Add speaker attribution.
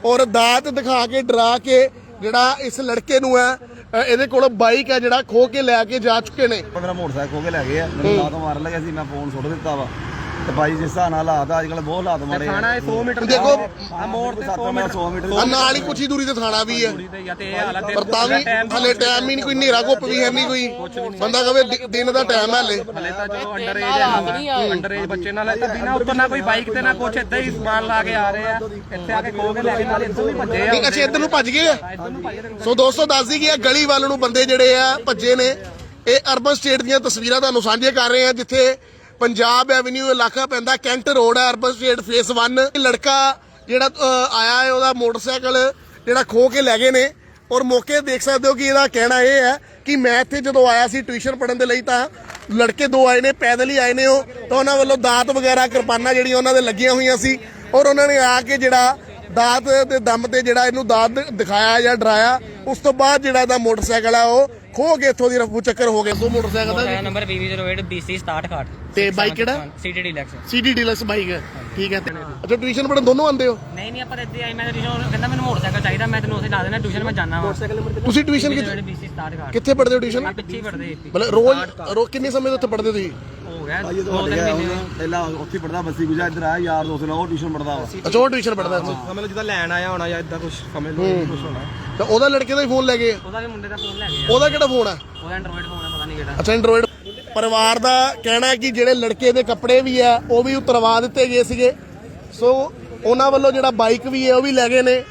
Speaker 1: और दात दिखा के डरा के जिहड़ा इस लड़के नूं है ਇਹਦੇ ਕੋਲ ਬਾਈਕ ਹੈ ਜਿਹੜਾ ਖੋ ਕੇ ਲੈ ਕੇ ਜਾ ਚੁੱਕੇ ਨੇ।
Speaker 2: ਮੇਰਾ ਮੋਟਰਸਾਈਕਲ ਖੋ ਕੇ ਲੈ ਗਏ ਆ, ਮੈਨੂੰ ਲਾਤ ਮਾਰਨ ਲੱਗਾ ਸੀ, ਮੈਂ ਫੋਨ ਸੁੱਟ ਦਿੱਤਾ ਵਾ ਤੇ ਬਾਈ ਜਿਸ ਹਿਸਾਬ ਨਾਲ ਹਾਲਾਤ ਅੱਜ ਕੱਲ ਬਹੁਤ ਹਾਲਾਤ ਮਾੜੇ
Speaker 3: ਥਾਣਾ 100 ਮੀਟਰ
Speaker 1: ਦੇਖੋ
Speaker 3: ਆ ਮੋੜ ਤੇ 100
Speaker 1: ਆ ਨਾਲ ਹੀ ਕੁਛ ਹੀ ਦੂਰੀ ਤੇ ਥਾਣਾ ਵੀ ਹੈ,
Speaker 3: ਤੇ ਇਹ ਹਾਲਤ
Speaker 1: ਪਰ ਤਾਂ ਵੀ ਹਲੇ ਟਾਈਮ ਹੀ ਨਹੀਂ, ਕੋਈ ਹਨੇਰਾ ਘੁੱਪ ਵੀ ਹੈ ਨਹੀਂ, ਕੋਈ ਬੰਦਾ ਕਹੇ ਦਿਨ ਦਾ ਟਾਈਮ ਹੈ ਹਲੇ
Speaker 3: ਤਾਂ ਚਲੋ ਅੰਡਰ ਏਜ ਹੈ, ਅੰਡਰ ਏਜ ਬੱਚੇ ਨਾਲ ਤਾਂ ਬਿਨਾ ਉੱਪਰ ਨਾ ਕੋਈ ਬਾਈਕ ਤੇ ਨਾ ਕੁਛ ਏਦਾਂ ਹੀ ਸਮਾਨ ਲਾ ਕੇ ਆ ਰਹੇ ਆ, ਇੱਥੇ ਆ ਕੇ ਖੋ ਕੇ ਲੈ ਕੇ ਨਾਲ ਇੱਧਰ ਵੀ ਭੱਜੇ ਆ।
Speaker 1: ਨਹੀਂ ਅੱਛਾ ਇੱਧਰ ਨੂੰ ਭੱਜ ਗਏ ਆ।
Speaker 3: ਇੱਧਰ ਨੂੰ ਭੱਜ ਰਹੇ
Speaker 1: ਸੋ ਦੋਸਤੋ ਦੱਸ ਦਈਏ ਕਿ ਗਲੀ ਵੱਲ ਨੂੰ ਬੰਦੇ ਜਿਹੜੇ ਆ ਭੱਜੇ ਨੇ। ਇਹ ਅਰਬਨ ਸਟੇਟ ਦੀਆਂ ਤਸਵੀਰਾਂ ਤੁਹਾਨੂੰ ਸਾਂਝੇ ਕਰ ਰਹੇ ਆ, ਜਿੱਥੇ ਪੰਜਾਬ ਐਵਨਿਊ ਇਲਾਕਾ ਪੈਂਦਾ, ਕੈਂਟ ਰੋਡ ਹੈ, ਅਰਬਨ ਸਟੇਟ ਫੇਸ 1। ਲੜਕਾ ਜਿਹੜਾ ਆਇਆ ਹੈ ਉਹਦਾ ਮੋਟਰਸਾਈਕਲ ਜਿਹੜਾ ਖੋ ਕੇ ਲੈ ਗਏ ਨੇ। ਔਰ ਮੌਕੇ ਦੇਖ ਸਕਦੇ ਹੋ ਕਿ ਇਹਦਾ ਕਹਿਣਾ ਇਹ ਹੈ ਕਿ ਮੈਂ ਇੱਥੇ ਜਦੋਂ ਆਇਆ ਸੀ ਟਿਊਸ਼ਨ ਪੜ੍ਹਨ ਦੇ ਲਈ ਤਾਂ ਲੜਕੇ ਦੋ ਆਏ ਨੇ, ਪੈਦਲ ਹੀ ਆਏ ਨੇ ਉਹ, ਤਾਂ ਉਹਨਾਂ ਵੱਲੋਂ ਦਾਤ ਵਗੈਰਾ ਕਿਰਪਾਨਾਂ ਜਿਹੜੀਆਂ ਉਹਨਾਂ ਦੇ ਲੱਗੀਆਂ ਹੋਈਆਂ ਸੀ ਔਰ ਉਹਨਾਂ ਨੇ ਆ ਕੇ ਜਿਹੜਾ ਦਾਤ ਦੇ ਦਮ ਤੇ ਜਿਹੜਾ ਇਹਨੂੰ ਦਾਤ ਦਿਖਾਇਆ ਜਾਂ ਡਰਾਇਆ। ਉਸ ਤੋਂ ਬਾਅਦ ਜਿਹੜਾ ਇਹਦਾ ਮੋਟਰਸਾਈਕਲ ਆ ਉਹ ਖੋ ਕੇ ਇੱਥੋਂ ਦੀ ਰਫੂ ਚੱਕਰ ਹੋ ਗਿਆ। ਦੋ ਮੋਟਰਸਾਈਕਲ ਦਾ
Speaker 4: ਨੰਬਰ BB08 BC 67
Speaker 1: ਤੇ ਬਾਈਕ ਕਿਹੜਾ?
Speaker 4: CD Deluxe।
Speaker 1: CD Deluxe bike ਹੈ, ਠੀਕ ਹੈ। ਅੱਛਾ ਟਿਊਸ਼ਨ ਪੜ੍ਹਨ ਦੋਨੋਂ ਆਉਂਦੇ ਹੋ?
Speaker 4: ਨਹੀਂ ਨਹੀਂ ਆਪਾਂ ਇੱਥੇ ਆਈ, ਮੈਂ ਟਿਊਸ਼ਨ ਕਹਿੰਦਾ ਮੈਨੂੰ ਮੋਟਰਸਾਈਕਲ ਚਾਹੀਦਾ, ਮੈਂ ਤੈਨੂੰ ਉੱਥੇ ਲਾ ਦੇਣਾ ਟਿਊਸ਼ਨ, ਮੈਂ ਜਾਣਾ ਵਾ।
Speaker 1: ਤੁਸੀਂ ਟਿਊਸ਼ਨ
Speaker 4: BC 67
Speaker 1: ਕਿੱਥੇ ਪੜ੍ਹਦੇ ਹੋ ਟਿਊਸ਼ਨ?
Speaker 4: ਪਿੱਛੇ ਪੜਦੇ
Speaker 1: ਮਤਲਬ ਰੋਜ਼ ਕਿੰਨੇ ਸਮੇਂ ਤੋਂ ਉੱਥੇ ਪੜ੍ਹਦੇ ਤੁਸੀਂ?
Speaker 4: ਹੋ ਗਿਆ
Speaker 2: ਭਾਈ ਜਦੋਂ ਹਟ ਗਿਆ ਹੁਣ, ਪਹਿਲਾਂ ਉੱਥੇ ਪੜਦਾ ਬੱਸੀ ਗੁਜਾ, ਇੱਧਰ ਆਇਆ ਯਾਰ ਦੋਸਤ ਨਾਲ ਉਹ ਟਿਊਸ਼ਨ ਪੜਦਾ ਵਾ।
Speaker 1: ਅੱਛਾ ਉਹ ਟਿਊਸ਼ਨ ਪੜ੍ਹਦਾ ਸੀ,
Speaker 3: ਸਮਝ ਲਓ ਜਿੱਦਾਂ ਲੈਣ ਆਇਆ ਹੋਣਾ ਜਾਂ ਇਦਾਂ ਕੁਝ ਸਮਝ ਲਓ ਕੁਝ ਹੋਣਾ।
Speaker 1: ਤਾਂ ਉਹਦਾ ਲੜਕੇ ਦਾ ਹੀ ਫੋਨ ਲੈ ਗਏ?
Speaker 4: ਉਹਦਾ ਵੀ ਮੁੰਡੇ ਦਾ ਫੋਨ ਲੈ ਗਿਆ,
Speaker 1: ਉਹਦਾ ਕਿਹੜਾ ਫੋਨ ਹੈ?
Speaker 4: ਉਹਦਾ ਐਂਡਰੋਇਡ ਫੋਨ ਹੈ, ਪਤਾ ਨਹੀਂ ਕਿਹੜਾ।
Speaker 1: ਅੱਛਾ ਐਂਡਰੋਇਡ। ਪਰਿਵਾਰ ਦਾ ਕਹਿਣਾ ਹੈ ਕਿ ਜਿਹੜੇ ਲੜਕੇ ਦੇ ਕੱਪੜੇ ਵੀ ਆ ਉਹ ਵੀ ਉਤਰਵਾ ਦਿੱਤੇ ਗਏ ਸੀਗੇ। ਸੋ ਉਹਨਾਂ ਵੱਲੋਂ ਜਿਹੜਾ ਬਾਈਕ ਵੀ ਹੈ ਉਹ ਵੀ ਲੈ ਗਏ ਨੇ।